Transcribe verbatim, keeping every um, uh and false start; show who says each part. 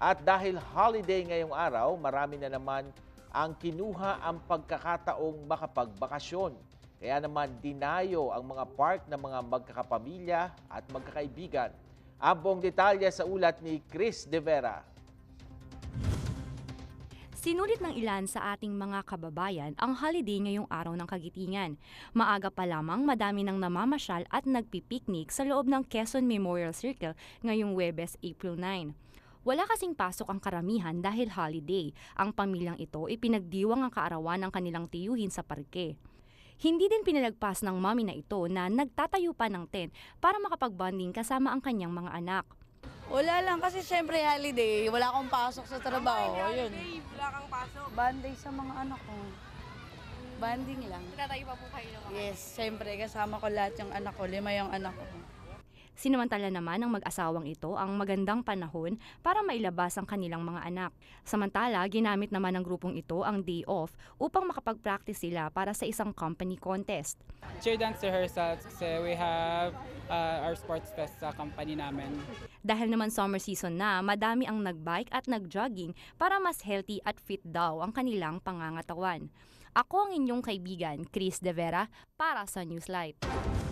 Speaker 1: At dahil holiday ngayong araw, marami na naman ang kinuha ang pagkakataong makapagbakasyon. Kaya naman dinayo ang mga park ng mga magkakapamilya at magkakaibigan. Ang buong detalye sa ulat ni Chris De Vera.
Speaker 2: Sinulit ng ilan sa ating mga kababayan ang holiday ngayong araw ng Kagitingan. Maaga pa lamang madami nang namamasyal at nagpipiknik sa loob ng Quezon Memorial Circle ngayong Huwebes, April nine. Wala kasing pasok ang karamihan dahil holiday. Ang pamilyang ito ipinagdiwang ang kaarawan ng kanilang tiyuhin sa parke. Hindi din pinalagpas ng mami na ito na nagtatayo pa ng tent para makapag-bonding kasama ang kanyang mga anak.
Speaker 3: Wala lang kasi syempre holiday, wala akong pasok sa trabaho. Yun.
Speaker 4: Wala kang pasok.
Speaker 3: Banding sa mga anak ko. Banding lang.
Speaker 4: Tatayo pa po kayo ng mga
Speaker 3: Yes, syempre kasama ko lahat yung anak ko, lima yung anak ko.
Speaker 2: Sinamantala naman ng mag-asawang ito ang magandang panahon para mailabas ang kanilang mga anak. Samantala, ginamit naman ng grupong ito ang day off upang makapag-practice sila para sa isang company contest.
Speaker 5: Cheer dance rehearsals kasi we have uh, our sports fest sa company namin.
Speaker 2: Dahil naman summer season na, madami ang nag-bike at nag-jogging para mas healthy at fit daw ang kanilang pangangatawan. Ako ang inyong kaibigan, Chris De Vera, para sa Newslight.